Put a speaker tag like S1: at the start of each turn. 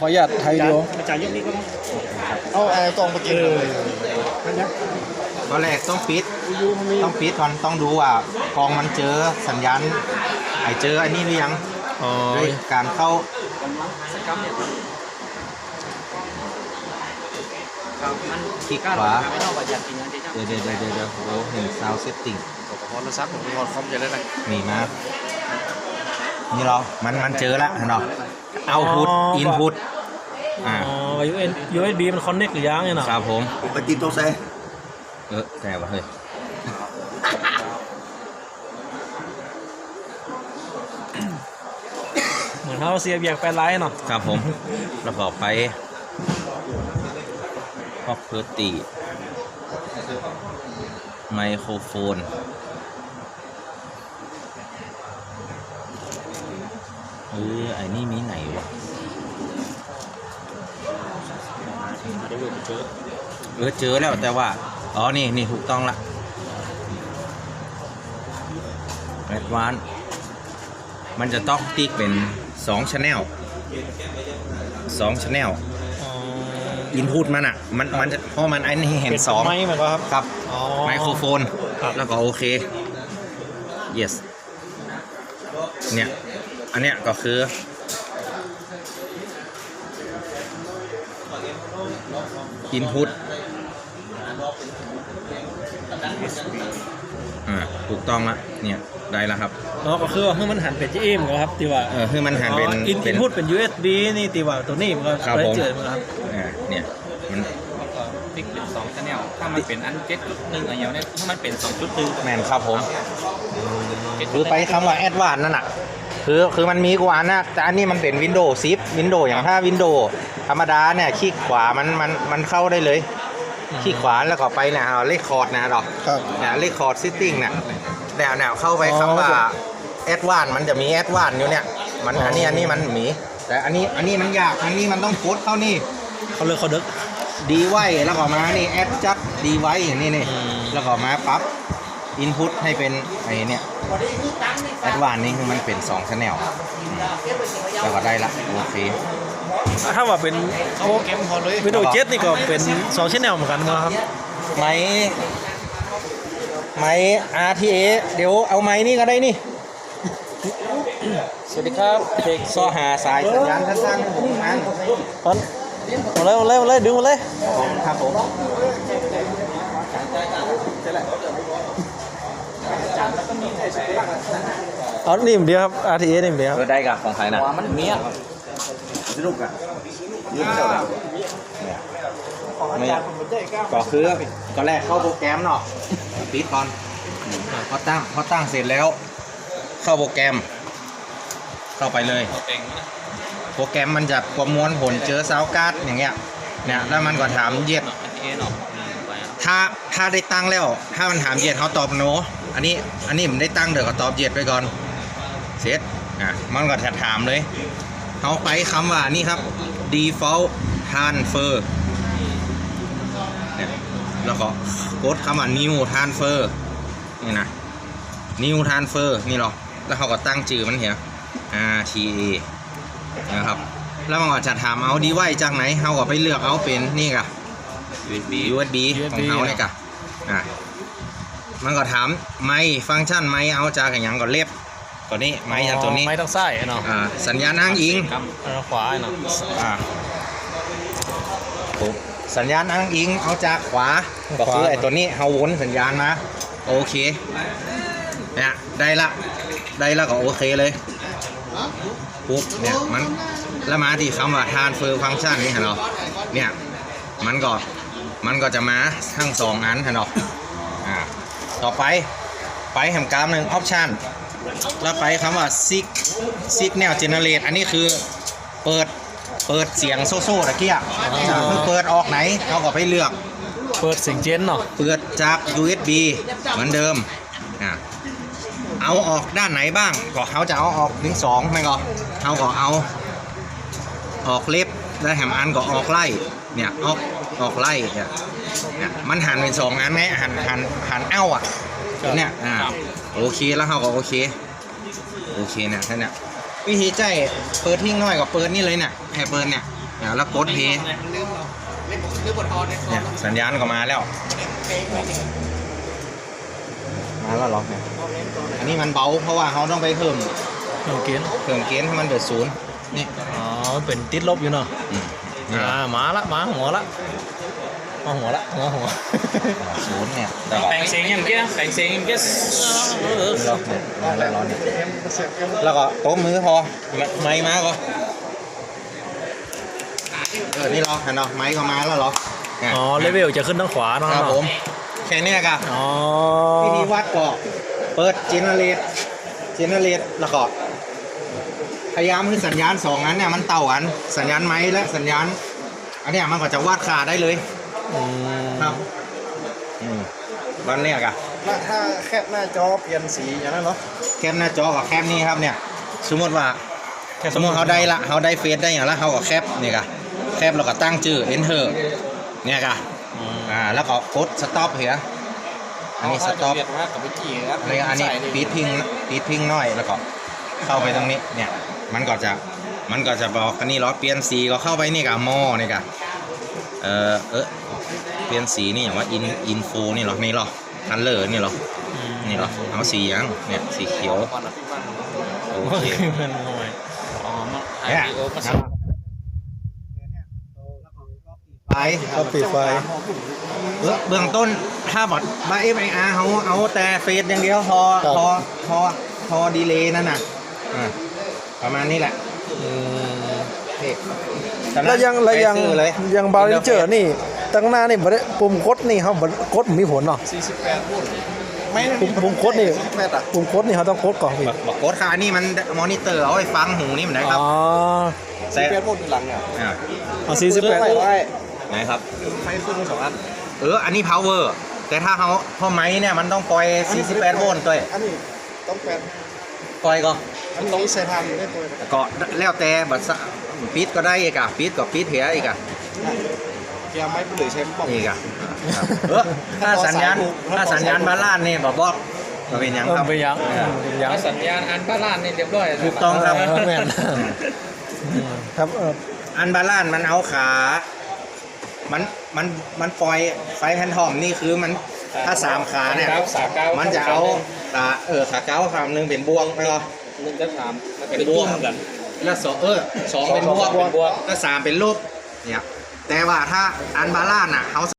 S1: ออนุญาตไทยเดียว
S2: อาจารย์ยกนี้ก็ต้อง
S1: เอาไอ้กล่องมากินเลย
S3: ตอนแรกต้องปิดก่อนต้องดูว่ากองมันเจอสัญญาณเจออันนี้หรือยัง
S1: อ๋อ
S3: ด้วยการเข้าคลิกขวาเดี๋ยวโอ้เห็นซาวเซตติ้ง
S1: พอโทรศัพท์ผมพอคอมจะได้ไหม
S3: นี่มานี่เหรอมันเจอแล้วเห็นหรอเอาพุทอินพุท
S2: อ๋อ USB มันคอนเน็กหรือยังเนี่ยนะครับ
S3: ผม
S1: ไปติดตัวใส่
S3: แต่ว่าเฮ้ย
S2: เหมือนเขาเสียบแยกแปลนไลน์เนาะ
S3: ครับผม แล้วก็ไปproperty ไมโครโฟนไอ้นี่มีไหนวะเจอแล้วแต่ว่าอ๋อนี่ถูกต้องละแอดวานซ์มันจะต้องติ๊กเป็น2 channel อินพุตมันอ่ะมันจะเพราะมันไอ้นี่เห็น2
S2: ไม่เหมือนกันครับ
S3: ครับ
S2: อ๋อ
S3: ไมโครโฟน
S2: ครับ
S3: แล้วก็โอเค yes เนี่ยอันเนี้ยก็คืออินพุตถูกต้องละเนี่ยได้แล้วครับ
S2: อ๋อก็คือว่าให้มันหันเป็นจีเอ็มครับตีว่า
S3: คือมันหันเป็น
S2: อินพุตเป็น USB นี่ตีว่าตัวนี้มันก็
S3: ครับผม
S2: เจอมันครับ
S3: เนี่ยมัน
S4: ติ๊กเป็น2 channel ถ้ามันเป็นอัน7.1อะไรอย่างเนี้ยถ้ามันเป็น2.1
S3: แมนครับผมคือไปคำว่าแอดวานซ์นั่นน่ะคือมันมีกว่านะแต่อันนี้มันเป็นวินโดว์10วินโดว์อย่างถ้าวินโดว์ธรรมดาเนี่ยคลิกขวามันเข้าได้เลยคลิกขวาแล้วก็ไปเนี่ยเอาเลขคอร์ดนะดอก
S1: ครับ
S3: เนี่ยเลขคอร์ดซิตติ้งเนี่ยแนวเข้าไปคำว่าแอดวานซ์มันจะมีแอดวานซ์อยู่เนี่ยมันอันนี้มันมีแต่อันนี้มันยากอันนี้มันต้องกดเข้านี่
S2: เขาเลยเขาดึก
S3: ดีไว้แล้วก็มานี่แอดจัดดีไว้อย่างนี้นี่แล้วก็มาปรับอินพุตให้เป็นไอ้เนี่ยแอดวานซ์นี่คือมันเป็น2 channel แล้วก็ได้ละโอเค
S2: ถ้าว่าเป็น
S1: เอาเก็บพอเลย
S2: วิดีโอเจ็ตนี่ก็เป็น2 channel เหมือนกันนะครับ
S3: ไม้ RTA เดี๋ยวเอาไม้นี่ก็ได้นี่
S2: สวัสดีครับเด็ก
S3: ซ้อหาสายสัญญาณสั้นๆผมมัน
S2: ตอนมาเลยดึงมาเลย
S3: ครับผม
S2: เอานี่เดียวครับ RTA นี่เดียว
S3: ได้กับของใครนะ
S4: มันเมีย
S3: สนุกอ่ะยืมเจ้าไม่ก็คือก็แรกเข้าโปรแกรมเนาะปิดก่อนพอตั้งเสร็จแล้วเข้าโปรแกรมเข้าไปเลยโปรแกรมมันจะประมวลผลเจอซาวการ์ดอย่างเงี้ยเนี่ยแล้วมันก็ถามเย็ดถ้าได้ตั้งแล้วถ้ามันถามเย็ดเขาตอบโนอันนี้ผมได้ตั้งเดี๋ยวก็ตอบเย็ดไปก่อนเสร็จมันก็จะถามเลยเขาไปคำว่านี่ครับ default transfer เนี่ยแล้วก็กดคำว่า new transfer นี่นะ new transfer นี่หรอแล้วเขาก็ตั้งชื่อมันเหี่ยRTA นะครับแล้วมันก็จะถามเอาดีไว้จากไหนเขาก็ไปเลือกเอาเป็นนี่กะ USB ของเขาเนี่ยกะมันก็ถามไมค์ฟังก์ชันไมค์เอาจากอย่างก็เล็บตัวนี้ไมค์จากตัวนี้
S2: ไม่ต้องใส่เนาะ
S3: สัญญาณอ้างอิง
S2: ขวาเนาะ
S3: ปุ๊บสัญญาณอ้างอิงเอาจากขวาก็คือไอ้ตัวนี้เฮาวนสัญญาณมาโอเคเนี่ยได้ละก็โอเคเลยปุ๊บเนี่ยมันแล้วมาที่คำว่า transfer function นี่เห็นหรอเนี่ยมันก็จะมาทั้ง2 อันเห็นหรอต่อไปแหมกรามหนึ่ง option แล้วไปคำว่า signal generate อันนี้คือเปิดเสียงโซ่ตะเกียบคือเปิดออกไหนเขาก็ไปเลือก
S2: เปิดเสียงเจนเนาะ
S3: เปิดจาก USB เหมือนเดิมเอาออกด้านไหนบ้างก็เขาจะเอาออกถึง2ไม่ก็เขาก็เอาออกเล็บแล้วแถมอันก็ออกไล่เนี่ยออกไล่เนี่ยมันหันเป็น2 อันไหมหันเอ้าเนี่ยโอเคแล้วเขาก็โอเคเนี่ยท่านเนี่ยวิธีใจเปิดทิ้งน้อยกับเปิดนี่เลยเนี่ยให้เปิดเนี่ยแล้วกดเพย์เนี่ยสัญญาณก็มาแล้วเหรอเนี่ยอันนี้มันเบาเพราะว่าเขาต้องไปเพิ่ม
S2: เพิ่มเกณฑ์
S3: ให้มันเดือดศูนย์นี่
S2: อ๋อเป็นติดลบอยู่เนาะ
S3: นี่
S2: มาละมาหัวละมาหัวละหัว
S3: ศูนย์เนี่ย
S4: แปลงเสียงอย่างเงี้ยแปลงเสียงอย่างเงี้ย
S3: แล้วก็โต๊ะมือพอไม้มาก็นี่เหรอเห็นเหรอไม้ก็มาแล้วเหรอ
S2: อ๋อเลเวลจะขึ้นทางขวาเนาะ
S3: ครับผมแค่เนี้ยกัน
S2: อ๋อ
S3: วิธีวัดก็เปิดเจเนเรตแล้วก็พยายามให้สัญญาณสองนั้นเนี่ยมันเต่ากันสัญญาณไม้และสัญญาณอันเนี้ยมันก็จะวาดขาได้เลยครับวันแรกอะ
S1: ถ้าแคบหน้าจอเปลี่ยนสีอย่างนั้นเนาะ
S3: แคปหน้าจอกับแคปนี่ครับเนี่ยสมมติว่าสมมติเขาได้เฟซได้อย่างละเขาก็แคปนี่กะแคปแล้วก็ตั้งชื่อ enter เนี่ยกะแล้วก็กด stop เหรออันนี้ stop
S1: เรียกว่ากับวิกี้ครับ
S3: อันนี้ปีดพิงน้อยแล้วก็เข้าไปตรงนี้เนี่ยมันก็จะบอกอันนี้เหรอเปลี่ยนสีก็เข้าไปนี่กะมอนี่กะเปลี่ยนสีนี่อย่างว่าอินโฟนี่เหรอนี่เหรอคันเลอร์นี่เหรอนี่เหรอเอาสียังเนี่ยสีเขียวโอเค
S2: เป็นหน่อย
S4: อ๋อมา
S3: เนี่ย
S4: มา
S3: ไป
S2: ก็ปิดไฟ
S3: เบื้องต้นถ้าบอดบ้า FIR เขาเอาแต่เฟซอย่างเดียวพอดีเลย์นั่นน่ะประมาณนี้แหละ
S5: แล้วยัง
S3: เลย
S5: ยังบาริเจอร์นี่ตั้งหน้านี่บ่ได้ปุ่มกดนี่เขาบ่กดมีผลเนาะ
S1: 48พุ่นไม่
S5: ปุ่มกดนี่
S1: 48อ่ะ
S5: ปุ่มกดนี่เขาต้องกดก่อนพี่
S3: บอกโค้ดค่ะนี่มันมอนิเตอร์เอาไว้ฟังหูนี่มันไหนครับ
S5: อ๋อ
S1: 48พุ่นหลังเนี่ย
S5: เอา48
S1: ไฟไว้
S3: ไหนครับ
S1: ไฟขึ้น2อัน
S3: อันนี้ power แต่ถ้าเขาพอไม้เนี่ยมันต้องปล่อย48โวลต์ด้วย
S1: อันนี้ต้องแปด
S3: ปล่อยก็
S1: อันนี้ใช้ทำได้ตัว
S3: ก็แล้วแต่บัตรปิดก็ได้อีกอะปิดก็ปิดเหียอีกอะ
S1: เกียร์ไม้หรือใช้ปอก
S3: อีกอะถ้าสัญญาณบาลานซ์นี่บอกก็เป็นหยังครับ
S2: เป็นยังเป็นยัง
S4: สัญญาณอันบ้านล้านนี่เรียบร้อย
S3: ถูกต้องครับ
S2: แม่น
S5: ครับ
S3: อันบาลานซ์มันเอาขา มันปล่อยไฟแพนทอมนี่คือมันถ้า3ขาเนี่ยมันจะเอาขาเก้าขาหนึ่งเป็นบวกไปเหรอ
S4: 1กับ3มันเป็น
S3: เป็นบวก
S4: กัน
S3: แล้วสองเป็นบวกแล้ว3เป็นลบเนี่ยแต่ว่าถ้าอันบาลานซ์อ่ะเขา